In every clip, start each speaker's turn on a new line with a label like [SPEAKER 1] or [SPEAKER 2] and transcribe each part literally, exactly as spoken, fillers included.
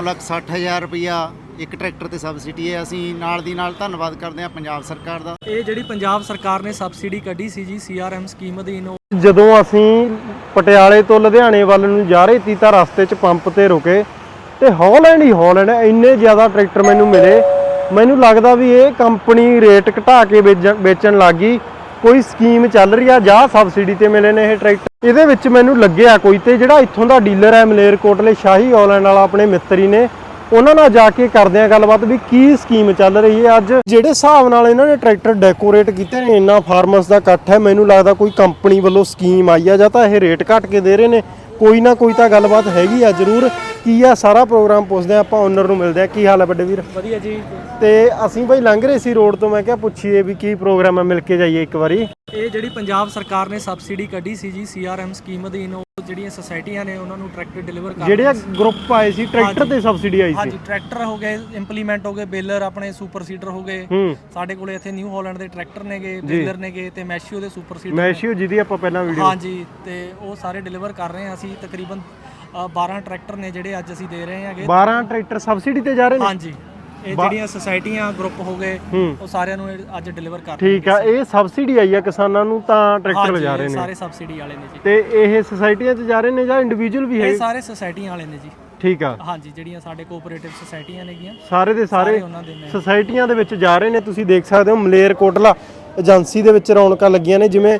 [SPEAKER 1] ਲੱਖ ਸੱਠ ਹਜ਼ਾਰ ਰੁਪਈਆ ਇੱਕ ਟਰੈਕਟਰ ਤੇ ਸਬਸਿਡੀ ਹੈ। ਅਸੀਂ ਨਾਲ ਦੀ ਨਾਲ ਧੰਨਵਾਦ ਕਰਦੇ ਹਾਂ ਪੰਜਾਬ ਸਰਕਾਰ ਦਾ।
[SPEAKER 2] ਇਹ ਜਿਹੜੀ ਪੰਜਾਬ ਸਰਕਾਰ ਨੇ ਸਬਸਿਡੀ ਕੱਢੀ ਸੀ ਜੀ ਸੀ ਆਰ ਐਮ ਸਕੀਮ ਅਧੀਨ,
[SPEAKER 3] ਜਦੋਂ ਅਸੀਂ ਪਟਿਆਲੇ ਤੋਂ ਲੁਧਿਆਣੇ ਵੱਲ ਨੂੰ ਜਾ ਰਹੇ ਸੀ ਤਾਂ ਰਸਤੇ 'ਚ ਪੰਪ ਤੇ ਰੁਕੇ ਤੇ ਹੌਲੈਂਡ ਹੀ ਹੌਲੈਂਡ ਇੰਨੇ ਜ਼ਿਆਦਾ ਟਰੈਕਟਰ ਮੈਨੂੰ ਮਿਲੇ। ਮੈਨੂੰ ਲੱਗਦਾ ਵੀ ਇਹ ਕੰਪਨੀ ਰੇਟ ਘਟਾ ਕੇ ਵੇਚਣ ਲੱਗ ਗਈ, ਕੋਈ ਸਕੀਮ ਚੱਲ ਰਹੀ ਆ ਜਾਂ ਸਬਸਿਡੀ ਤੇ ਮਿਲੇ ਨੇ ਇਹ ਟਰੈਕਟਰ। ਇਹਦੇ ਵਿੱਚ ਮੈਨੂੰ ਲੱਗਿਆ ਕੋਈ ਤੇ ਜਿਹੜਾ ਇੱਥੋਂ ਦਾ ਡੀਲਰ ਹੈ ਮਲੇਰਕੋਟਲੇ ਸ਼ਾਹੀ ਹੌਲੈਂਡ ਵਾਲਾ ਆਪਣੇ ਮਿੱਤਰੀ ਨੇ, ਉਹਨਾਂ ਨਾਲ ਜਾ ਕੇ ਕਰਦੇ ਆ ਗੱਲਬਾਤ ਵੀ ਕੀ ਸਕੀਮ ਚੱਲ ਰਹੀ ਹੈ। ਅੱਜ ਜਿਹੜੇ ਹਿਸਾਬ ਨਾਲ ਇਹਨਾਂ ਨੇ ਟਰੈਕਟਰ ਡੈਕੋਰੇਟ ਕੀਤੇ ਨੇ, ਇੰਨਾ ਫਾਰਮਰਸ ਦਾ ਇਕੱਠ ਹੈ, ਮੈਨੂੰ ਲੱਗਦਾ ਕੋਈ ਕੰਪਨੀ ਵੱਲੋਂ ਸਕੀਮ ਆਈ ਆ ਜਾਂ ਤਾਂ ਇਹ ਰੇਟ ਘੱਟ ਕੇ ਦੇ ਰਹੇ ਨੇ, ਕੋਈ ਨਾ ਕੋਈ ਤਾਂ ਗੱਲਬਾਤ ਹੈਗੀ ਆ ਜ਼ਰੂਰ। ਕੀ ਆ ਸਾਰਾ ਪ੍ਰੋਗਰਾਮ ਪੁੱਛਦੇ ਆ ਆਪਾਂ, ਓਨਰ ਨੂੰ ਮਿਲਦੇ ਆ। ਕੀ ਹਾਲ ਹੈ ਵੱਡੇ ਵੀਰ?
[SPEAKER 2] ਵਧੀਆ ਜੀ।
[SPEAKER 3] ਤੇ ਅਸੀਂ ਭਾਈ ਲੰਘ ਰਹੇ ਸੀ ਰੋਡ ਤੋਂ, ਮੈਂ ਕਿਹਾ ਪੁੱਛੀਏ ਵੀ ਕੀ ਪ੍ਰੋਗਰਾਮ ਹੈ, ਮਿਲ ਕੇ ਜਾਈਏ ਇੱਕ ਵਾਰੀ।
[SPEAKER 2] ਇਹ ਜਿਹੜੀ ਪੰਜਾਬ ਸਰਕਾਰ ਨੇ ਸਬਸਿਡੀ ਕੱਢੀ ਸੀ ਜੀ ਸੀ ਆਰ ਐਮ ਸਕੀਮ ਅਧੀਨ, ਉਹ ਜਿਹੜੀਆਂ ਸੁਸਾਇਟੀਆਂ ਨੇ ਉਹਨਾਂ ਨੂੰ ਟਰੈਕਟਰ ਡਿਲੀਵਰ ਕਰ
[SPEAKER 3] ਜਿਹੜੇ ਗਰੁੱਪ ਆਏ ਸੀ ਟਰੈਕਟਰ ਤੇ ਸਬਸਿਡੀ ਆਈ ਸੀ।
[SPEAKER 2] ਹਾਂਜੀ, ਟਰੈਕਟਰ ਹੋ ਗਏ ਇੰਪਲੀਮੈਂਟ ਹੋ ਗਏ, ਬੇਲਰ ਆਪਣੇ ਸੁਪਰ ਸੀਡਰ ਹੋ ਗਏ। ਸਾਡੇ ਕੋਲੇ ਇੱਥੇ ਨਿਊ ਹਾਲੈਂਡ ਦੇ ਟਰੈਕਟਰ ਨੇਗੇ, ਬੇਲਰ ਨੇਗੇ ਤੇ ਮੈਸ਼ੀਓ ਦੇ ਸੁਪਰ ਸੀਡਰ,
[SPEAKER 3] ਮੈਸ਼ੀਓ ਜਿਹਦੀ ਆਪਾਂ ਪਹਿਲਾਂ ਵੀਡੀਓ,
[SPEAKER 2] ਹਾਂਜੀ, ਤੇ ਉਹ ਸਾਰੇ ਡਿਲੀਵਰ ਕਰ ਰਹੇ ਹਾਂ ਅਸੀਂ। ਤਕਰੀਬਨ ਬਾਰਾਂ ਟਰੈਕਟਰ ਨੇ ਜਿਹੜੇ ਅੱਜ ਅਸੀਂ ਦੇ ਰਹੇ ਹਾਂਗੇ।
[SPEAKER 3] ਬਾਰਾਂ ਟਰੈਕਟਰ ਸਬਸਿਡੀ ਤੇ ਜਾ ਰਹੇ ਨੇ?
[SPEAKER 2] ਹਾਂਜੀ, ਇਹ ਜਿਹੜੀਆਂ ਸੁਸਾਇਟੀਆਂ ਗਰੁੱਪ ਹੋ ਗਏ ਉਹ ਸਾਰਿਆਂ ਨੂੰ ਅੱਜ ਡਿਲੀਵਰ ਕਰ ਰਹੇ।
[SPEAKER 3] ਠੀਕ ਆ, ਇਹ ਸਬਸਿਡੀ ਆਈ ਆ ਕਿਸਾਨਾਂ ਨੂੰ ਤਾਂ ਟਰੈਕਟਰ ਲਿਜਾ ਰਹੇ ਨੇ?
[SPEAKER 2] ਸਾਰੇ ਸਬਸਿਡੀ ਵਾਲੇ ਨੇ ਜੀ।
[SPEAKER 3] ਤੇ ਇਹ ਸੁਸਾਇਟੀਆਂ 'ਚ ਜਾ ਰਹੇ ਨੇ ਜਾਂ ਇੰਡੀਵਿਜੂਅਲ ਵੀ ਹੈ?
[SPEAKER 2] ਇਹ ਸਾਰੇ ਸੁਸਾਇਟੀਆਂ ਵਾਲੇ ਨੇ ਜੀ।
[SPEAKER 3] ਠੀਕ ਆ,
[SPEAKER 2] ਹਾਂਜੀ, ਜਿਹੜੀਆਂ ਸਾਡੇ ਕੋਆਪਰੇਟਿਵ ਸੁਸਾਇਟੀਆਂ ਨੇਗੀਆਂ,
[SPEAKER 3] ਸਾਰੇ ਦੇ ਸਾਰੇ
[SPEAKER 2] ਉਹਨਾਂ ਦੇ ਨੇ
[SPEAKER 3] ਸੁਸਾਇਟੀਆਂ ਦੇ ਵਿੱਚ ਜਾ ਰਹੇ ਨੇ। ਤੁਸੀਂ ਦੇਖ ਸਕਦੇ ਹੋ ਮਲੇਰਕੋਟਲਾ ਏਜੰਸੀ ਦੇ ਵਿੱਚ ਰੌਣਕਾਂ ਲੱਗੀਆਂ ਨੇ। ਜਿਵੇਂ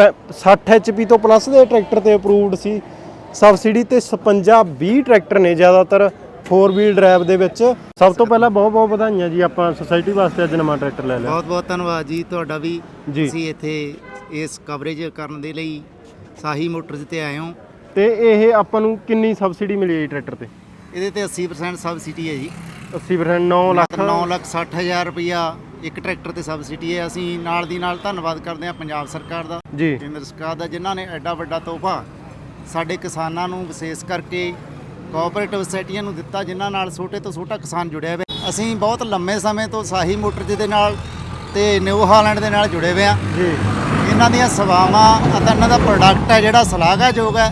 [SPEAKER 3] ਸੱਠ ਐਚ ਪੀ ਤੋਂ ਪਲੱਸ ਦੇ ਟਰੈਕਟਰ ਤੇ ਅਪਰੂਵਡ ਸੀ ਸਬਸਿਡੀ, ਤੇ ਛਪੰਜਾ ਵੀਹ ਟਰੈਕਟਰ ਨੇ ਜ਼ਿਆਦਾਤਰ ਫੋਰ ਵੀਲ ਡਰਾਈਵ ਦੇ ਵਿੱਚ। ਸਭ ਤੋਂ ਪਹਿਲਾਂ ਬਹੁਤ ਬਹੁਤ ਵਧਾਈਆਂ ਜੀ, ਆਪਾਂ ਸੁਸਾਇਟੀ ਵਾਸਤੇ ਅੱਜ ਨਵਾਂ ਟਰੈਕਟਰ ਲੈ ਲਿਆ।
[SPEAKER 1] ਬਹੁਤ ਬਹੁਤ ਧੰਨਵਾਦ ਜੀ ਤੁਹਾਡਾ ਵੀ।
[SPEAKER 3] ਜੀ,
[SPEAKER 1] ਅਸੀਂ ਇੱਥੇ ਇਸ ਕਵਰੇਜ ਕਰਨ ਦੇ ਲਈ ਸਾਹੀ ਮੋਟਰਸ ਤੇ ਆਏ ਹਾਂ।
[SPEAKER 3] ਤੇ ਇਹ ਆਪਾਂ ਨੂੰ ਕਿੰਨੀ ਸਬਸਿਡੀ ਮਿਲੀ ਹੈ ਟਰੈਕਟਰ ਤੇ?
[SPEAKER 1] ਇਹਦੇ ਤੇ ਅੱਸੀ ਪਰਸੈਂਟ ਸਬਸਿਡੀ ਹੈ ਜੀ।
[SPEAKER 3] ਅੱਸੀ ਪਰਸੈਂਟ ਨੌ ਲੱਖ
[SPEAKER 1] ਨੌ ਲੱਖ ਸੱਠ ਹਜ਼ਾਰ ਰੁਪਈਆ ਇੱਕ ਟਰੈਕਟਰ ਤੇ ਸਬਸਿਡੀ ਹੈ। ਅਸੀਂ ਨਾਲ ਦੀ ਨਾਲ ਧੰਨਵਾਦ ਕਰਦੇ ਹਾਂ ਪੰਜਾਬ ਸਰਕਾਰ ਦਾ
[SPEAKER 3] ਜੀ,
[SPEAKER 1] ਕੇਂਦਰ ਸਰਕਾਰ ਦਾ, ਜਿਨ੍ਹਾਂ ਨੇ ਐਡਾ ਵੱਡਾ ਤੋਹਫਾ ਸਾਡੇ ਕਿਸਾਨਾਂ ਨੂੰ ਵਿਸ਼ੇਸ਼ ਕਰਕੇ ਕੋਆਪਰੇਟਿਵ ਸੁਸਾਇਟੀਆਂ ਨੂੰ ਦਿੱਤਾ, ਜਿਨ੍ਹਾਂ ਨਾਲ ਛੋਟੇ ਤੋਂ ਛੋਟਾ ਕਿਸਾਨ ਜੁੜਿਆ ਹੋਇਆ। ਅਸੀਂ ਬਹੁਤ ਲੰਮੇ ਸਮੇਂ ਤੋਂ ਸਾਹੀ ਮੋਟਰਜ਼ ਦੇ ਨਾਲ ਤੇ ਨਿਊ ਹਾਲੈਂਡ ਦੇ ਨਾਲ ਜੁੜੇ ਹੋਏ ਹਾਂ
[SPEAKER 3] ਜੀ।
[SPEAKER 1] ਇਹਨਾਂ ਦੀਆਂ ਸੇਵਾਵਾਂ ਅਤੇ ਇਹਨਾਂ ਦਾ ਪ੍ਰੋਡਕਟ ਹੈ ਜਿਹੜਾ ਸ਼ਲਾਘਾਯੋਗ ਹੈ।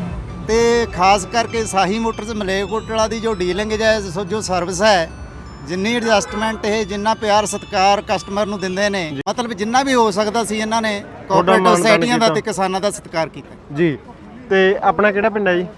[SPEAKER 1] ਤੇ ਖਾਸ ਕਰਕੇ ਸਾਹੀ ਮੋਟਰਜ਼ ਮਲੇਰਕੋਟਲਾ ਦੀ ਜੋ ਡੀਲਿੰਗ ਹੈ, ਜੋ ਸਰਵਿਸ ਹੈ, ਜਿੰਨੀ ਐਡਜਸਟਮੈਂਟ ਇਹ ਜਿੰਨਾ ਪਿਆਰ ਸਤਿਕਾਰ ਕਸਟਮਰ ਨੂੰ ਦਿੰਦੇ ਨੇ, ਮਤਲਬ ਜਿੰਨਾ ਵੀ ਹੋ ਸਕਦਾ ਸੀ ਇਹਨਾਂ ਨੇ ਕੋਆਪਰੇਟਿਵ ਸੁਸਾਇਟੀਆਂ ਦਾ ਤੇ ਕਿਸਾਨਾਂ ਦਾ ਸਤਿਕਾਰ ਕੀਤਾ
[SPEAKER 3] ਜੀ। ਤੇ ਆਪਣਾ ਕਿਹੜਾ ਪਿੰਡ ਹੈ ਜੀ?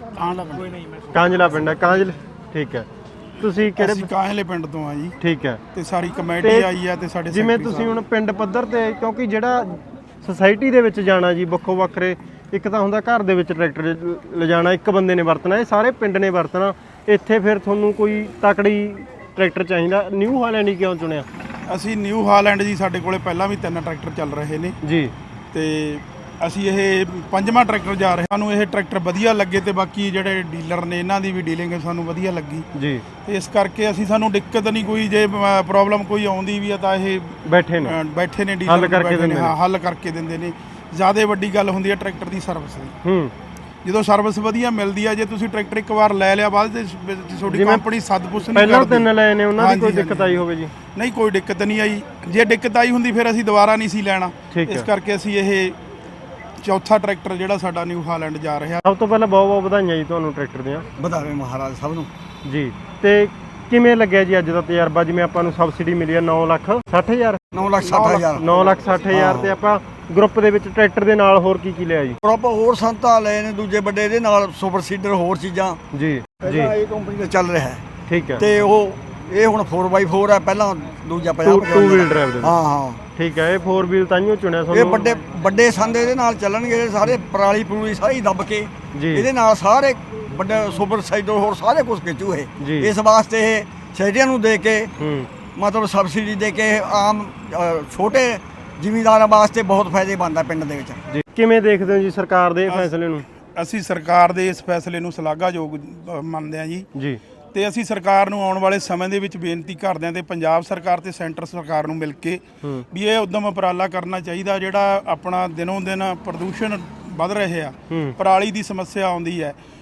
[SPEAKER 3] ਕਾਂਜਲਾ ਪਿੰਡ ਹੈ। ਕਾਂਜਲ, ਠੀਕ ਹੈ। ਤੁਸੀਂ ਕਿਹੜੇ?
[SPEAKER 4] ਅਸੀਂ ਕਾਂਜਲੇ ਪਿੰਡ ਤੋਂ ਆ ਜੀ।
[SPEAKER 3] ਠੀਕ ਹੈ।
[SPEAKER 4] ਤੇ ਸਾਰੀ ਕਮੇਟੀ ਆਈ ਆ ਤੇ ਸਾਡੇ
[SPEAKER 3] ਜਿਵੇਂ ਤੁਸੀਂ ਹੁਣ ਪਿੰਡ ਪੱਧਰ ਤੇ, ਕਿਉਂਕਿ ਜਿਹੜਾ ਸੁਸਾਇਟੀ ਦੇ ਵਿੱਚ ਜਾਣਾ ਜੀ ਵੱਖੋ ਵੱਖਰੇ, ਇੱਕ ਤਾਂ ਹੁੰਦਾ ਘਰ ਦੇ ਵਿੱਚ ਟਰੈਕਟਰ ਲਿਜਾਣਾ, ਇੱਕ ਬੰਦੇ ਨੇ ਵਰਤਣਾ, ਇਹ ਸਾਰੇ ਪਿੰਡ ਨੇ ਵਰਤਣਾ। ਇੱਥੇ ਫਿਰ ਤੁਹਾਨੂੰ ਕੋਈ ਤਕੜੀ ਟਰੈਕਟਰ ਚਾਹੀਦਾ, ਨਿਊ ਹਾਲੈਂਡ ਹੀ ਕਿਉਂ ਚੁਣਿਆ?
[SPEAKER 4] ਅਸੀਂ ਨਿਊ ਹਾਲੈਂਡ ਜੀ, ਸਾਡੇ ਕੋਲੇ ਪਹਿਲਾਂ ਵੀ ਤਿੰਨ ਟਰੈਕਟਰ ਚੱਲ ਰਹੇ ਨੇ
[SPEAKER 3] ਜੀ,
[SPEAKER 4] ਤੇ ਅਸੀਂ ਇਹ ਪੰਜਵਾਂ ਟਰੈਕਟਰ ਜਾ ਰਹੇ। ਸਾਨੂੰ ਇਹ ਟਰੈਕਟਰ ਵਧੀਆ ਲੱਗੇ ਤੇ ਬਾਕੀ ਜਿਹੜੇ ਡੀਲਰ ਨੇ ਇਹਨਾਂ ਦੀ ਵੀ ਡੀਲਿੰਗ ਸਾਨੂੰ ਵਧੀਆ ਲੱਗੀ
[SPEAKER 3] ਜੀ।
[SPEAKER 4] ਤੇ ਇਸ ਕਰਕੇ ਅਸੀਂ ਸਾਨੂੰ ਦਿੱਕਤ ਨਹੀਂ ਕੋਈ, ਜੇ ਪ੍ਰੋਬਲਮ ਕੋਈ ਆਉਂਦੀ ਵੀ ਆ ਤਾਂ ਇਹ
[SPEAKER 3] ਬੈਠੇ ਨੇ
[SPEAKER 4] ਬੈਠੇ ਨੇ
[SPEAKER 3] ਹੱਲ
[SPEAKER 4] ਡੀਲਰ
[SPEAKER 3] ਕਰਕੇ ਦਿੰਦੇ ਨੇ।
[SPEAKER 4] ਹਾਂ, ਹੱਲ ਕਰਕੇ ਦਿੰਦੇ ਨੇ। ਜ਼ਿਆਦਾ ਵੱਡੀ ਗੱਲ ਹੁੰਦੀ ਹੈ ਟਰੈਕਟਰ ਦੀ ਸਰਵਿਸ ਦੀ।
[SPEAKER 3] ਹੂੰ,
[SPEAKER 4] ਜਦੋਂ ਸਰਵਿਸ ਵਧੀਆ ਮਿਲਦੀ ਆ, ਜੇ ਤੁਸੀਂ ਟਰੈਕਟਰ ਇੱਕ ਵਾਰ ਲੈ ਲਿਆ, ਬਾਅਦ ਵਿੱਚ ਤੁਹਾਡੀ ਕੰਪਨੀ ਸਦਪੁੱਛ ਨਹੀਂ ਕਰਦੀ।
[SPEAKER 3] ਪਹਿਲਾਂ ਤਿੰਨ ਲਏ ਨੇ, ਉਹਨਾਂ ਦੀ ਕੋਈ ਦਿੱਕਤ ਆਈ ਹੋਵੇ ਜੀ?
[SPEAKER 4] ਨਹੀਂ, ਕੋਈ ਦਿੱਕਤ ਨਹੀਂ ਆਈ। ਜੇ ਦਿੱਕਤ ਆਈ ਹੁੰਦੀ ਫਿਰ ਅਸੀਂ ਦੁਬਾਰਾ ਨਹੀਂ ਸੀ ਲੈਣਾ। ਇਸ ਕਰਕੇ ਅਸੀਂ ਇਹ ਚੌਥਾ ਟਰੈਕਟਰ ਜਿਹੜਾ ਸਾਡਾ ਨਿਊ ਹਾਲੈਂਡ ਜਾ ਰਿਹਾ।
[SPEAKER 3] ਸਭ ਤੋਂ ਪਹਿਲਾਂ ਬਹੁਤ ਬਹੁਤ ਵਧਾਈਆਂ ਜੀ ਤੁਹਾਨੂੰ ਟਰੈਕਟਰ ਦੀਆਂ।
[SPEAKER 4] ਵਧਾਵੇ ਮਹਾਰਾਜ ਸਭ ਨੂੰ
[SPEAKER 3] ਜੀ। ਤੇ ਕਿਵੇਂ ਲੱਗਿਆ ਜੀ ਅੱਜ ਦਾ ਤਜਰਬਾ? ਜਿਵੇਂ ਆਪਾਂ ਨੂੰ ਸਬਸਿਡੀ ਮਿਲੀ ਹੈ ਨੌ ਲੱਖ ਸੱਠ ਹਜ਼ਾਰ
[SPEAKER 4] ਨੌ ਲੱਖ ਸੱਠ ਹਜ਼ਾਰ
[SPEAKER 3] ਨੌ ਲੱਖ ਸੱਠ ਹਜ਼ਾਰ ਤੇ ਆਪਾਂ ਗਰੁੱਪ ਦੇ ਵਿੱਚ ਟਰੈਕਟਰ ਦੇ ਨਾਲ ਹੋਰ ਕੀ ਕੀ ਲਿਆ ਜੀ?
[SPEAKER 5] ਗਰੁੱਪ ਹੋਰ ਸੰਤਾ ਲਏ ਨੇ ਦੂਜੇ ਵੱਡੇ, ਇਹਦੇ ਨਾਲ ਸੁਪਰ ਸੀਡਰ ਹੋਰ ਚੀਜ਼ਾਂ
[SPEAKER 3] ਜੀ ਜੀ
[SPEAKER 5] ਇਹ ਕੰਪਨੀ ਦਾ ਚੱਲ ਰਿਹਾ ਹੈ।
[SPEAKER 3] ਠੀਕ ਹੈ।
[SPEAKER 5] ਤੇ ਉਹ ਇਹ ਹੁਣ ਫੋਰ ਬਾਈ ਫੋਰ ਹੈ, ਪਹਿਲਾਂ ਦੂਜਾ ਪਿਆ
[SPEAKER 3] ਟੂ ਵੀਲ ਡਰਾਈਵ ਦੇ।
[SPEAKER 5] ਹਾਂ ਹਾਂ,
[SPEAKER 3] ਠੀਕ ਹੈ। ਇਹ ਫੋਰ ਵੀਲ ਤਾਂਹੀਓ ਚੁਣਿਆ
[SPEAKER 5] ਇਹ
[SPEAKER 3] ਤੁਹਾਨੂੰ?
[SPEAKER 5] ਵੱਡੇ ਵੱਡੇ ਸੰਦ ਇਹਦੇ ਨਾਲ ਚੱਲਣਗੇ ਸਾਰੇ, ਪਰਾਲੀ ਪਰੂਲੀ ਸਾਰੀ ਦੱਬ ਕੇ
[SPEAKER 3] ਜੀ।
[SPEAKER 5] ਇਹਦੇ ਨਾਲ ਸਾਰੇ ਵੱਡੇ ਸੁਪਰ ਸਾਈਡਰ ਹੋਰ ਸਾਰੇ ਕੁਝ ਖਿੱਚੂ ਇਹ। ਇਸ ਵਾਸਤੇ ਇਹ ਸ਼ਹਿਰੀਆਂ ਨੂੰ ਦੇ ਕੇ ਮਤਲਬ ਸਬਸਿਡੀ ਦੇ ਕੇ ਆਮ ਛੋਟੇ ਜ਼ਿਮੀਂਦਾਰਾਂ ਵਾਸਤੇ ਬਹੁਤ ਫਾਇਦੇਮੰਦ ਹੈ ਪਿੰਡ ਦੇ ਵਿੱਚ।
[SPEAKER 3] ਜੀ, ਕਿਵੇਂ ਦੇਖਦੇ ਹੋ ਜੀ ਸਰਕਾਰ ਦੇ ਫੈਸਲੇ ਨੂੰ?
[SPEAKER 4] ਅਸੀਂ ਸਰਕਾਰ ਦੇ ਇਸ ਫੈਸਲੇ ਨੂੰ ਸ਼ਲਾਘਾਯੋਗ ਮੰਨਦੇ ਹਾਂ ਜੀ
[SPEAKER 3] ਜੀ।
[SPEAKER 4] ਤੇ ਅਸੀਂ ਸਰਕਾਰ ਨੂੰ ਆਉਣ ਵਾਲੇ ਸਮੇਂ ਦੇ ਵਿੱਚ ਬੇਨਤੀ ਕਰਦੇ ਹਾਂ ਤੇ ਪੰਜਾਬ ਸਰਕਾਰ ਤੇ ਸੈਂਟਰ ਸਰਕਾਰ ਨੂੰ ਮਿਲ ਕੇ ਵੀ ਇਹ ਉਦਮ ਉਪਰਾਲਾ ਕਰਨਾ ਚਾਹੀਦਾ। ਜਿਹੜਾ ਆਪਣਾ ਦਿਨੋਂ ਦਿਨ ਪ੍ਰਦੂਸ਼ਣ ਵੱਧ ਰਹੇ ਆ, ਪਰਾਲੀ ਦੀ ਸਮੱਸਿਆ ਆਉਂਦੀ ਹੈ,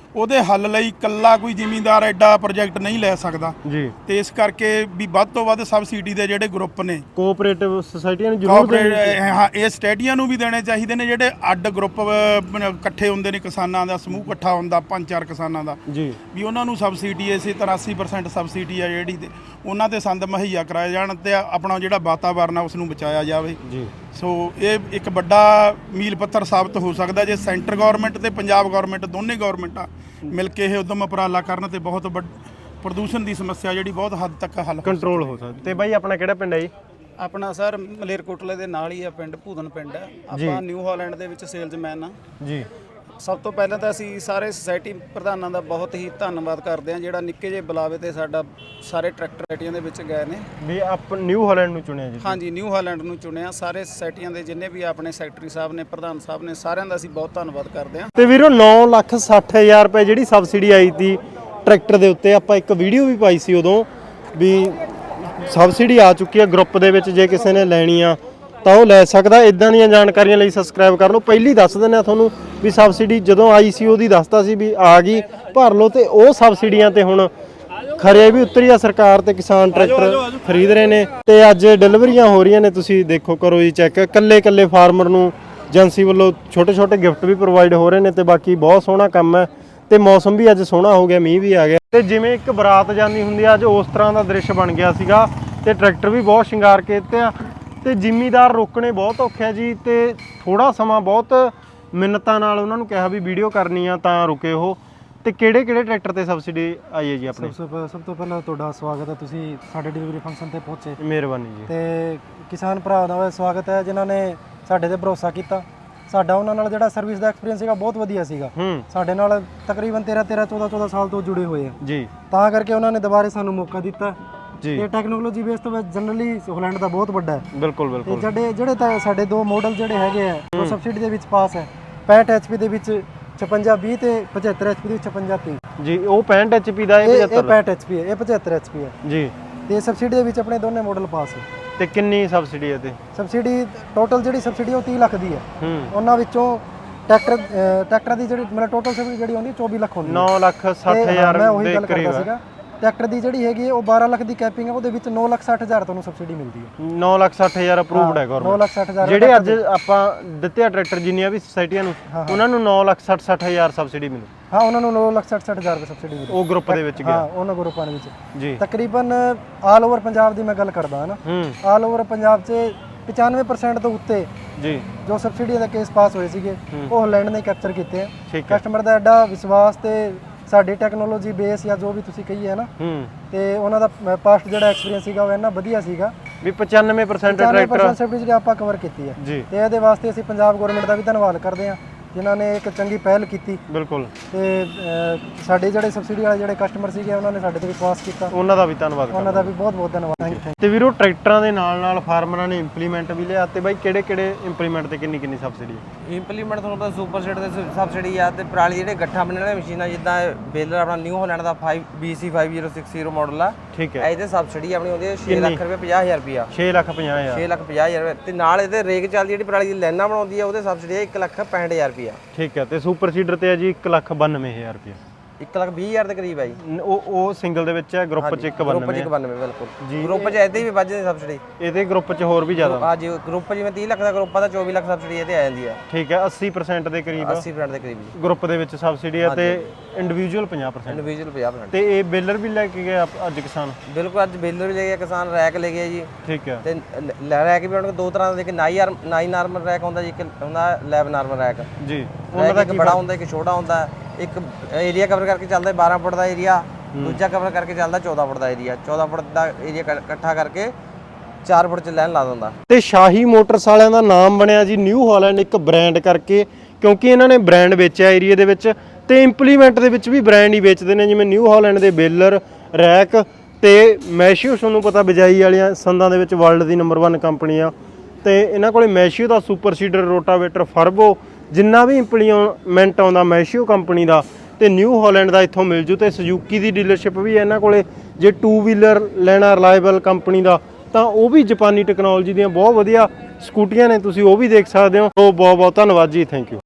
[SPEAKER 4] ਉਹਦੇ ਹੱਲ ਲਈ ਇਕੱਲਾ ਕੋਈ ਜ਼ਿਮੀਂਦਾਰ ਐਡਾ ਪ੍ਰੋਜੈਕਟ ਨਹੀਂ ਲੈ ਸਕਦਾ
[SPEAKER 3] ਜੀ
[SPEAKER 4] ਤੇ ਇਸ ਕਰਕੇ ਵੀ ਵੱਧ ਤੋਂ ਵੱਧ ਸਬਸਿਡੀ ਦੇ ਜਿਹੜੇ ਗਰੁੱਪ ਨੇ
[SPEAKER 3] ਕੋਆਪਰੇਟਿਵ ਸੁਸਾਇਟੀਆਂ ਨੂੰ ਜ਼ਰੂਰ ਦੇਣੀ
[SPEAKER 4] ਕੋਆਪਰੇਟ ਹਾਂ ਇਹ ਸਟੇਡੀਆਂ ਨੂੰ ਵੀ ਦੇਣੇ ਚਾਹੀਦੇ ਨੇ ਜਿਹੜੇ ਅੱਡ ਗਰੁੱਪ ਇਕੱਠੇ ਹੁੰਦੇ ਨੇ ਕਿਸਾਨਾਂ ਦਾ ਸਮੂਹ ਇਕੱਠਾ ਹੁੰਦਾ ਪੰਜ ਚਾਰ ਕਿਸਾਨਾਂ ਦਾ
[SPEAKER 3] ਜੀ
[SPEAKER 4] ਵੀ ਉਹਨਾਂ ਨੂੰ ਸਬਸਿਡੀ ਇਸੇ ਤਰ੍ਹਾਂ ਅੱਸੀ ਪਰਸੈਂਟ ਸਬਸਿਡੀ ਆ ਜਿਹੜੀ ਤੇ ਉਹਨਾਂ ਤੇ ਸੰਦ ਮੁਹੱਈਆ ਕਰਾਏ ਜਾਣ ਤੇ ਆਪਣਾ ਜਿਹੜਾ ਵਾਤਾਵਰਨ ਆ ਉਸ ਨੂੰ ਬਚਾਇਆ ਜਾਵੇ
[SPEAKER 3] ਜੀ
[SPEAKER 4] ਸੋ ਇਹ ਇੱਕ ਵੱਡਾ ਮੀਲ ਪੱਥਰ ਸਾਬਤ ਹੋ ਸਕਦਾ ਜੇ ਸੈਂਟਰ ਗਵਰਨਮੈਂਟ ਤੇ ਪੰਜਾਬ ਗਵਰਨਮੈਂਟ ਦੋਨੇ ਗਵਰਨਮੈਂਟਾਂ ਮਿਲ ਕੇ ਇਹ ਉਦਮ ਉਪਰਾਲਾ ਕਰਨ ਤੇ ਬਹੁਤ ਵੱਡ ਪ੍ਰਦੂਸ਼ਣ ਦੀ ਸਮੱਸਿਆ ਜਿਹੜੀ ਬਹੁਤ ਹੱਦ ਤੱਕ ਹੱਲ
[SPEAKER 3] ਕੰਟਰੋਲ ਹੋ ਸਕਦਾ। ਤੇ ਬਾਈ ਆਪਣਾ ਕਿਹੜਾ ਪਿੰਡ ਹੈ ਜੀ?
[SPEAKER 6] ਆਪਣਾ ਸਰ ਮਲੇਰਕੋਟਲੇ ਦੇ ਨਾਲ ਹੀ ਆ ਪਿੰਡ ਭੂਦਨ ਪਿੰਡ ਹੈ। ਆਪਾਂ ਨਿਊ ਹਾਲੈਂਡ ਦੇ ਵਿੱਚ ਸੇਲਜ਼ਮੈਨ ਆ
[SPEAKER 3] ਜੀ।
[SPEAKER 6] ਸਭ ਤੋਂ ਪਹਿਲਾਂ ਤਾਂ ਅਸੀਂ ਸਾਰੇ ਸੁਸਾਇਟੀ ਪ੍ਰਧਾਨਾਂ ਦਾ ਬਹੁਤ ਹੀ ਧੰਨਵਾਦ ਕਰਦੇ ਹਾਂ ਜਿਹੜਾ ਨਿੱਕੇ ਜਿਹੇ ਬੁਲਾਵੇ ਤੇ ਸਾਡਾ ਸਾਰੇ ਟਰੈਕਟਰਾਂ ਦੇ ਵਿੱਚ ਗਏ ਨੇ
[SPEAKER 3] ਵੀ ਆਪ ਨਿਊ ਹਾਲੈਂਡ ਨੂੰ ਚੁਣਿਆ ਜੀ?
[SPEAKER 6] ਹਾਂਜੀ ਨਿਊ ਹਾਲੈਂਡ ਨੂੰ ਚੁਣਿਆ। ਸਾਰੇ ਸੁਸਾਇਟੀਆਂ ਦੇ ਜਿੰਨੇ ਵੀ ਆਪਣੇ ਸੈਕਟਰੀ ਸਾਹਿਬ ਨੇ ਪ੍ਰਧਾਨ ਸਾਹਿਬ ਨੇ ਸਾਰਿਆਂ ਦਾ ਅਸੀਂ ਬਹੁਤ ਧੰਨਵਾਦ ਕਰਦੇ ਹਾਂ।
[SPEAKER 3] ਤੇ ਵੀਰੋ ਨੌ ਲੱਖ ਸੱਠ ਹਜ਼ਾਰ ਰੁਪਏ ਜਿਹੜੀ ਸਬਸਿਡੀ ਆਈ ਤੀ ਟਰੈਕਟਰ ਦੇ ਉੱਤੇ ਆਪਾਂ ਇੱਕ ਵੀਡੀਓ ਵੀ ਪਾਈ ਸੀ ਉਦੋਂ ਵੀ ਸਬਸਿਡੀ ਆ ਚੁੱਕੀ ਹੈ ਗਰੁੱਪ ਦੇ ਵਿੱਚ ਜੇ ਕਿਸੇ ਨੇ ਲੈਣੀ ਆ ਤਾਂ ਉਹ ਲੈ ਸਕਦਾ। ਇਦਾਂ ਦੀਆਂ ਜਾਣਕਾਰੀਆਂ ਲਈ ਸਬਸਕ੍ਰਾਈਬ ਕਰ ਲਓ। ਪਹਿਲੀ ਦੱਸ ਦਿੰਦੇ ਆ ਤੁਹਾਨੂੰ ਵੀ ਸਬਸਿਡੀ ਜਦੋਂ ਆਈ ਸੀ ਉਹਦੀ ਦੱਸਤਾ ਸੀ ਵੀ ਆ ਗਈ ਭਰ ਲਓ ਤੇ ਉਹ ਸਬਸਿਡੀਆਂ ਤੇ ਹੁਣ ਖਰੇ ਵੀ ਉਤਰੀ ਆ ਸਰਕਾਰ ਤੇ ਕਿਸਾਨ ਟਰੈਕਟਰ ਖਰੀਦ ਰਹੇ ਨੇ ਤੇ ਅੱਜ ਡਿਲੀਵਰੀਆਂ ਹੋ ਰਹੀਆਂ ਨੇ। ਤੁਸੀਂ ਦੇਖੋ ਕਰੋ ਜੀ ਚੈੱਕ ਕੱਲੇ ਕੱਲੇ ਫਾਰਮਰ ਨੂੰ ਏਜੰਸੀ ਵੱਲੋਂ ਛੋਟੇ ਛੋਟੇ ਗਿਫਟ ਵੀ ਪ੍ਰੋਵਾਈਡ ਹੋ ਰਹੇ ਨੇ ਤੇ ਬਾਕੀ ਬਹੁਤ ਸੋਹਣਾ ਕੰਮ ਹੈ ਤੇ ਮੌਸਮ ਵੀ ਅੱਜ ਸੋਹਣਾ ਹੋ ਗਿਆ, ਮੀਂਹ ਵੀ ਆ ਗਿਆ ਤੇ ਜਿਵੇਂ ਇੱਕ ਬਰਾਤ ਜਾਂਦੀ ਹੁੰਦੀ ਆ ਅੱਜ ਉਸ ਤਰ੍ਹਾਂ ਦਾ ਦ੍ਰਿਸ਼ ਬਣ ਗਿਆ ਸੀਗਾ ਤੇ ਟਰੈਕਟਰ ਵੀ ਬਹੁਤ ਸ਼ਿੰਗਾਰ ਕੇ ਦਿੱਤੇ ਆ ਤੇ ਜ਼ਿਮੀਦਾਰ ਰੋਕਣੇ ਬਹੁਤ ਔਖੇ ਆ ਜੀ ਤੇ ਥੋੜਾ ਸਮਾਂ ਬਹੁਤ ਮਿੰਨਤਾਂ ਨਾਲ ਉਹਨਾਂ ਨੂੰ ਕਿਹਾ ਵੀ ਵੀਡੀਓ ਕਰਨੀ ਆ ਤਾਂ ਰੁਕੇ ਉਹ। ਤੇ ਕਿਹੜੇ ਕਿਹੜੇ ਟਰੈਕਟਰ ਤੇ ਸਬਸਿਡੀ ਆਈ ਹੈ ਜੀ ਆਪਣੇ?
[SPEAKER 7] ਸਭ ਤੋਂ ਸਭ ਤੋਂ ਪਹਿਲਾਂ ਤੁਹਾਡਾ ਸਵਾਗਤ ਹੈ, ਤੁਸੀਂ ਸਾਡੇ ਡਿਲੀਵਰੀ ਫੰਕਸ਼ਨ ਤੇ ਪਹੁੰਚੇ
[SPEAKER 3] ਮਿਹਰਬਾਨੀ ਜੀ।
[SPEAKER 7] ਤੇ ਕਿਸਾਨ ਭਰਾ ਦਾ ਸਵਾਗਤ ਹੈ ਜਿਨ੍ਹਾਂ ਨੇ ਸਾਡੇ ਤੇ ਭਰੋਸਾ ਕੀਤਾ। ਸਾਡਾ ਉਹਨਾਂ ਨਾਲ ਜਿਹੜਾ ਸਰਵਿਸ ਦਾ ਐਕਸਪੀਰੀਅੰਸ ਸੀਗਾ ਬਹੁਤ ਵਧੀਆ ਸੀਗਾ।
[SPEAKER 3] ਹੂੰ
[SPEAKER 7] ਸਾਡੇ ਨਾਲ ਤਕਰੀਬਨ ਤੇਰਾਂ ਤੇਰਾਂ ਚੌਦਾਂ ਚੌਦਾਂ ਸਾਲ ਤੋਂ ਜੁੜੇ ਹੋਏ ਆ
[SPEAKER 3] ਜੀ
[SPEAKER 7] ਤਾਂ ਕਰਕੇ ਉਹਨਾਂ ਨੇ ਦੁਬਾਰੇ ਸਾਨੂੰ ਮੌਕਾ ਦਿੱਤਾ
[SPEAKER 3] ਜੀ।
[SPEAKER 7] ਤੇ ਟੈਕਨੋਲੋਜੀ ਬੇਸ ਤੋਂ ਜਨਰਲੀ ਹਾਲੈਂਡ ਦਾ ਬਹੁਤ ਵੱਡਾ ਹੈ।
[SPEAKER 3] ਬਿਲਕੁਲ
[SPEAKER 7] ਤੇ
[SPEAKER 3] ਬਿਲਕੁਲ।
[SPEAKER 7] ਜਿਹੜੇ ਜਿਹੜੇ ਤਾਂ ਸਾਡੇ ਦੋ ਮਾਡਲ ਜਿਹੜੇ ਹੈਗੇ ਆ ਉਹ ਸਬਸਿਡੀ ਦੇ ਵਿੱਚ ਪਾਸ ਹੈ। ਪੈਂਹਠ ਐਚਪੀ ਦੇ ਵਿੱਚ ਛਪੰਜਾ ਵੀਹ ਤੇ ਪਝੱਤਰ ਐਚਪੀ ਦੇ ਵਿੱਚ ਛਪੰਜਾ ਤੀਹ
[SPEAKER 3] ਜੀ। ਉਹ ਪੈਂਹਠ ਐਚਪੀ ਦਾ ਇਹ
[SPEAKER 7] ਇਹ
[SPEAKER 3] ਪਝੱਤਰ
[SPEAKER 7] ਪੈਂਹਠ ਐਚਪੀ ਹੈ, ਇਹ ਪਝੱਤਰ ਐਚਪੀ ਹੈ
[SPEAKER 3] ਜੀ।
[SPEAKER 7] ਤੇ ਸਬਸਿਡੀ ਦੇ ਵਿੱਚ ਆਪਣੇ ਦੋਨੇ ਮਾਡਲ ਪਾਸ ਹੈ।
[SPEAKER 3] ਤੇ ਕਿੰਨੀ ਸਬਸਿਡੀ ਹੈ ਤੇ?
[SPEAKER 7] ਸਬਸਿਡੀ ਟੋਟਲ ਜਿਹੜੀ ਸਬਸਿਡੀ ਉਹ ਤੀਹ ਲੱਖ ਦੀ ਹੈ।
[SPEAKER 3] ਹੂੰ
[SPEAKER 7] ਉਹਨਾਂ ਵਿੱਚੋਂ ਟਰੈਕਟਰ ਟਰੈਕਟਰ ਦੀ ਜਿਹੜੀ ਮਤਲਬ ਟੋਟਲ ਸਬਸਿਡੀ ਜਿਹੜੀ ਹੁੰਦੀ ਚੌਵੀ ਲੱਖ ਹੁੰਦੀ ਹੈ।
[SPEAKER 3] ਨੌ ਲੱਖ ਸੱਠ
[SPEAKER 7] ਤੇ
[SPEAKER 3] ਹਜ਼ਾਰ
[SPEAKER 7] ਮੈਂ ਉਹੀ
[SPEAKER 3] ਦੇ
[SPEAKER 7] ਗੱਲ
[SPEAKER 3] ਕਰੀਬ
[SPEAKER 7] ਕਰਦਾ
[SPEAKER 3] ਹੈ।
[SPEAKER 7] ਸੀਗਾ। ਟਰੈਕਟਰ ਦੀ ਜਿਹੜੀ ਹੈਗੀ ਹੈ ਉਹ ਬਾਰਾਂ ਲੱਖ ਦੀ ਕੈਪਿੰਗ ਹੈ, ਉਹਦੇ ਵਿੱਚ ਨੌ ਲੱਖ ਸੱਠ ਹਜ਼ਾਰ ਤੁਹਾਨੂੰ ਸਬਸਿਡੀ ਮਿਲਦੀ ਹੈ।
[SPEAKER 3] ਨੌ ਲੱਖ ਸੱਠ ਹਜ਼ਾਰ ਅਪਰੂਵਡ ਹੈ
[SPEAKER 7] ਨੌ
[SPEAKER 3] ਗਵਰਨਮੈਂਟ।
[SPEAKER 7] ਲੱਖ ਸੱਠ ਹਜ਼ਾਰ
[SPEAKER 3] ਜਿਹੜੇ ਅੱਜ ਆਪਾਂ ਦਿੱਤੇ ਆ ਟਰੈਕਟਰ ਜਿੰਨੀਆਂ ਵੀ ਸੁਸਾਇਟੀਆਂ ਨੂੰ ਉਹਨਾਂ ਨੂੰ ਨੌ ਲੱਖ ਸੱਠ ਸੱਠ ਹਜ਼ਾਰ ਸਬਸਿਡੀ ਮਿਲੂ।
[SPEAKER 7] ਹਾਂ ਉਹਨਾਂ ਨੂੰ ਨੌ ਲੱਖ ਸੱਠ ਸੱਠ ਹਜ਼ਾਰ ਰੁਪਏ ਸਬਸਿਡੀ ਮਿਲਦੀ
[SPEAKER 3] ਉਹ ਗਰੁੱਪ ਦੇ ਵਿੱਚ
[SPEAKER 7] ਹਾਂ
[SPEAKER 3] ਗਿਆ
[SPEAKER 7] ਉਹਨਾਂ ਗਰੁੱਪਾਂ ਦੇ ਵਿੱਚ
[SPEAKER 3] ਜੀ।
[SPEAKER 7] ਤਕਰੀਬਨ ਆਲ ਓਵਰ ਪੰਜਾਬ ਦੀ ਮੈਂ ਗੱਲ ਕਰਦਾ ਹਾਂ ਨਾ,
[SPEAKER 3] ਹੂੰ
[SPEAKER 7] ਆਲ ਓਵਰ ਪੰਜਾਬ 'ਚ ਪਚਾਨਵੇਂ ਪਰਸੈਂਟ ਤੋਂ ਉੱਤੇ
[SPEAKER 3] ਜੀ
[SPEAKER 7] ਜੋ ਸਬਸਿਡੀ ਦੇ ਕੇਸ ਪਾਸ ਹੋਏ ਸੀਗੇ ਉਹ ਹਾਲੈਂਡ ਨੇ ਕੈਪਚਰ ਕੀਤੇ ਆ।
[SPEAKER 3] ਠੀਕ ਹੈ।
[SPEAKER 7] ਕਸਟਮਰ ਦਾ ਐਡਾ ਵਿਸ਼ਵਾਸ ਤੇ ਸਾਡੀ ਟੈਕਨੋਲੋਜੀ ਬੇਸ ਜਾਂ ਜੋ ਵੀ ਤੁਸੀਂ ਕਹੀਏ ਨਾ
[SPEAKER 3] ਹੂੰ
[SPEAKER 7] ਤੇ ਉਹਨਾਂ ਦਾ ਪਾਸਟ ਜਿਹੜਾ ਐਕਸਪੀਰੀਅੰਸ ਸੀਗਾ ਉਹ ਇੰਨਾ ਵਧੀਆ ਸੀਗਾ।
[SPEAKER 3] ਵੀ ਪਚਾਨਵੇਂ ਪਰਸੈਂਟ
[SPEAKER 7] ਪਚਾਨਵੇਂ
[SPEAKER 3] ਟਰੈਕਟਰ
[SPEAKER 7] ਪਰਸੈਂਟ ਸਬਸਿਡੀ ਜਿਹੜੀ ਆਪਾਂ ਕਵਰ ਕੀਤੀ ਹੈ
[SPEAKER 3] ਜੀ।
[SPEAKER 7] ਤੇ ਇਹਦੇ ਵਾਸਤੇ ਅਸੀਂ ਪੰਜਾਬ ਗਵਰਨਮੈਂਟ ਦਾ ਵੀ ਧੰਨਵਾਦ ਕਰਦੇ ਹਾਂ ਜਿਨ੍ਹਾਂ ਨੇ ਇੱਕ ਚੰਗੀ ਪਹਿਲ ਕੀਤੀ
[SPEAKER 3] ਬਿਲਕੁਲ।
[SPEAKER 7] ਤੇ ਅਹ, ਸਾਡੇ ਜਿਹੜੇ ਸਬਸਿਡੀ ਵਾਲੇ ਜਿਹੜੇ ਕਸਟਮਰ ਸੀਗੇ ਉਹਨਾਂ ਨੇ ਸਾਡੇ ਤੇ ਵਿਸ਼ਵਾਸ ਕੀਤਾ,
[SPEAKER 3] ਉਹਨਾਂ ਦਾ ਵੀ ਧੰਨਵਾਦ
[SPEAKER 7] ਉਹਨਾਂ ਦਾ ਵੀ ਬਹੁਤ ਬਹੁਤ ਧੰਨਵਾਦ। Thank you.
[SPEAKER 3] ਤੇ ਵੀਰੋ ਟਰੈਕਟਰਾਂ ਦੇ ਨਾਲ ਨਾਲ ਫਾਰਮਰਾਂ ਨੇ ਇੰਪਲੀਮੈਂਟ ਵੀ ਲਿਆ ਤੇ ਬਾਈ ਕਿਹੜੇ ਕਿਹੜੇ ਇੰਪਲੀਮੈਂਟ ਤੇ ਕਿੰਨੀ ਕਿੰਨੀ ਸਬਸਿਡੀ ਹੈ?
[SPEAKER 8] ਇੰਪਲੀਮੈਂਟ ਤੁਹਾਨੂੰ ਪਤਾ ਸੁਪਰ ਸੀਟ ਦੇ ਸਬਸਿਡੀ ਆ ਤੇ ਪਰਾਲੀ ਜਿਹੜੇ ਗੱਠਾ ਬਣਨ ਵਾਲੀਆਂ ਮਸ਼ੀਨਾਂ ਜਿੱਦਾਂ ਬੇਲਰ ਆਪਣਾ ਨਿਊ ਹਾਲੈਂਡ ਦਾ five B C five zero six zero model ਆ।
[SPEAKER 3] ਠੀਕ ਹੈ।
[SPEAKER 8] ਇਹਦੇ ਸਬਸਿਡੀ ਆਪਣੀ ਆਉਂਦੀ ਹੈ ਛੇ ਲੱਖ ਰੁਪਏ ਪੰਜਾਹ ਹਜ਼ਾਰ ਰੁਪਿਆ
[SPEAKER 3] ਛੇ ਲੱਖ ਪੰਜਾਹ ਹਜ਼ਾਰ
[SPEAKER 8] ਛੇ ਲੱਖ ਪੰਜਾਹ ਹਜ਼ਾਰ ਰੁਪਏ ਤੇ ਨਾਲ ਇਹਦੇ ਰੇਕ ਚੱਲਦੀ ਜਿਹੜੀ ਪਰਾਲੀ ਦੀ ਲਾਈਨਾਂ ਬਣਾਉਂਦੀ ਹੈ ਉਹਦੇ ਸਬਸਿਡੀ ਹੈ ਇੱਕ ਲੱਖ ਪੈਂਹਠ ਹਜ਼ਾਰ ਰੁਪਿਆ।
[SPEAKER 3] ਠੀਕ ਹੈ। ਤੇ ਸੁਪਰ ਸੀਡਰ ਤੇ ਹੈ ਜੀ ਇੱਕ ਲੱਖ ਬਾਨਵੇਂ ਹਜ਼ਾਰ ਰੁਪਏ।
[SPEAKER 8] ਇੱਕ ਲੱਖ ਵੀਹ ਹਜ਼ਾਰ ਦੇ ਕਰੀਬ ਹੈ ਜੀ।
[SPEAKER 3] ਨ- ਉਹ ਉਹ ਸਿੰਗਲ ਦੇ ਵਿੱਚ ਹੈ, ਗਰੁੱਪ ਚ ਇੱਕ
[SPEAKER 8] ਗਰੁੱਪ 'ਚ
[SPEAKER 3] ਬਾਨਵੇਂ
[SPEAKER 8] ਇੱਕ ਬਾਨਵੇਂ ਬਿਲਕੁਲ ਗਰੁੱਪ 'ਚ ਇਹਦੇ ਵੀ ਵੱਧ ਜਾਂਦੀ ਸਬਸਿਡੀ।
[SPEAKER 3] ਇਹਦੇ ਗਰੁੱਪ ਚ ਹੋਰ ਵੀ ਜ਼ਿਆਦਾ।
[SPEAKER 8] ਆ ਜੀ ਗਰੁੱਪ ਜਿਵੇਂ ਤੀਹ ਲੱਖ ਦਾ ਗਰੁੱਪ ਆ ਤਾਂ ਚੌਵੀ ਲੱਖ ਸਬਸਿਡੀ ਇਹਦੇ ਆ ਜਾਂਦੀ ਆ।
[SPEAKER 3] ਠੀਕ ਹੈ। ਅੱਸੀ ਪਰਸੈਂਟ ਦੇ ਕਰੀਬ
[SPEAKER 8] ਅੱਸੀ ਪਰਸੈਂਟ ਦੇ ਕਰੀਬ ਜੀ
[SPEAKER 3] ਗਰੁੱਪ ਦੇ ਵਿੱਚ ਸਬਸਿਡੀ ਹੈ ਤੇ ਇੰਡੀਵਿਜੂਅਲ ਪੰਜਾਹ ਪਰਸੈਂਟ।
[SPEAKER 8] ਇੰਡੀਵਿਜੂਅਲ ਪੰਜਾਹ ਪਰਸੈਂਟ।
[SPEAKER 3] ਤੇ ਇਹ ਬੇਲਰ ਵੀ ਲੈ ਕੇ ਗਏ ਆਪ- ਅੱਜ ਕਿਸਾਨ?
[SPEAKER 8] ਬਿਲਕੁਲ ਅੱਜ ਬੇਲਰ ਵੀ ਲੈ ਗਿਆ ਕਿਸਾਨ, ਰੈਕ ਲੈ ਗਿਆ ਜੀ।
[SPEAKER 3] ਠੀਕ ਹੈ।
[SPEAKER 8] ਤੇ ਲ- ਰੈਕ ਵੀ ਉਹਨਾਂ ਕੋਲ ਦੋ ਤਰ੍ਹਾਂ ਦੇ, ਇੱਕ ਨਾਈ ਆਰਮ ਨਾਈ ਨਾਰਮਲ ਰੈਕ ਹੁੰਦਾ ਜੀ, ਇੱਕ ਹੁੰਦਾ ਲੈਬ ਨਾਰਮਲ ਰੈਕ।
[SPEAKER 3] ਜੀ।
[SPEAKER 8] ਉਹਨਾਂ ਦਾ ਇੱਕ ਬੜਾ ਹੁੰਦਾ ਇੱਕ ਛੋਟਾ ਹੁੰਦਾ। ਇੱਕ ਏਰੀਆ ਕਵਰ ਕਰਕੇ ਚੱਲਦਾ ਬਾਰਾਂ ਫੁੱਟ ਦਾ ਏਰੀਆ, ਦੂਜਾ ਕਵਰ ਕਰਕੇ ਚੱਲਦਾ ਚੌਦਾਂ ਫੁੱਟ ਦਾ ਏਰੀਆ। ਚੌਦਾਂ ਫੁੱਟ ਦਾ ਏਰੀਆ ਇਕੱਠਾ ਕਰਕੇ ਚਾਰ ਫੁੱਟ ਚ ਲਾਈਨ ਲਾ ਦਿੰਦਾ।
[SPEAKER 3] ਤੇ ਸ਼ਾਹੀ ਮੋਟਰਸ ਵਾਲਿਆਂ ਦਾ ਨਾਮ ਬਣਿਆ ਜੀ ਨਿਊ ਹਾਲੈਂਡ ਇੱਕ ਬ੍ਰਾਂਡ ਕਰਕੇ, ਕਿਉਂਕਿ ਇਹਨਾਂ ਨੇ ਬ੍ਰਾਂਡ ਵੇਚਿਆ ਏਰੀਆ ਦੇ ਵਿੱਚ ਤੇ ਇੰਪਲੀਮੈਂਟ ਦੇ ਵਿੱਚ ਵੀ ਬ੍ਰਾਂਡ ਹੀ ਵੇਚਦੇ ਨੇ ਜਿਵੇਂ ਨਿਊ ਹਾਲੈਂਡ ਦੇ ਬੇਲਰ, ਰੈਕ ਤੇ ਮੈਸ਼ੀਓ। ਤੁਹਾਨੂੰ ਪਤਾ ਬਿਜਾਈ ਵਾਲੀਆਂ ਸੰਦਾਂ ਦੇ ਵਿੱਚ ਵਰਲਡ ਦੀ ਨੰਬਰ ਇੱਕ ਕੰਪਨੀ ਆ ਤੇ ਇਹਨਾਂ ਕੋਲੇ ਮੈਸ਼ੀਓ ਦਾ ਸੁਪਰ ਸੀਡਰ, ਰੋਟਾਵੇਟਰ, ਫਰਬੋ ਜਿੰਨਾ ਵੀ ਇੰਪਲੀਮੈਂਟ ਆਉਂਦਾ ਮੈਸ਼ੀਓ ਕੰਪਨੀ ਦਾ ਤੇ ਨਿਊ ਹਾਲੈਂਡ ਦਾ ਇੱਥੋਂ ਮਿਲ ਜੂ। ਤੇ ਸੁਜ਼ੂਕੀ ਦੀ ਡੀਲਰਸ਼ਿਪ ਵੀ ਹੈ ਇਹਨਾਂ ਕੋਲੇ। ਜੇ ਟੂ ਵੀਲਰ ਲੈਣਾ ਰਿਲਾਇਬਲ ਕੰਪਨੀ ਦਾ ਤਾਂ ਉਹ ਵੀ ਜਾਪਾਨੀ ਟੈਕਨੋਲੋਜੀ ਦੀਆਂ ਬਹੁਤ ਵਧੀਆ ਸਕੂਟੀਆਂ ਨੇ, ਤੁਸੀਂ ਉਹ ਵੀ ਦੇਖ ਸਕਦੇ ਹੋ। ਬਹੁਤ ਬਹੁਤ ਧੰਨਵਾਦ ਜੀ, ਥੈਂਕ ਯੂ।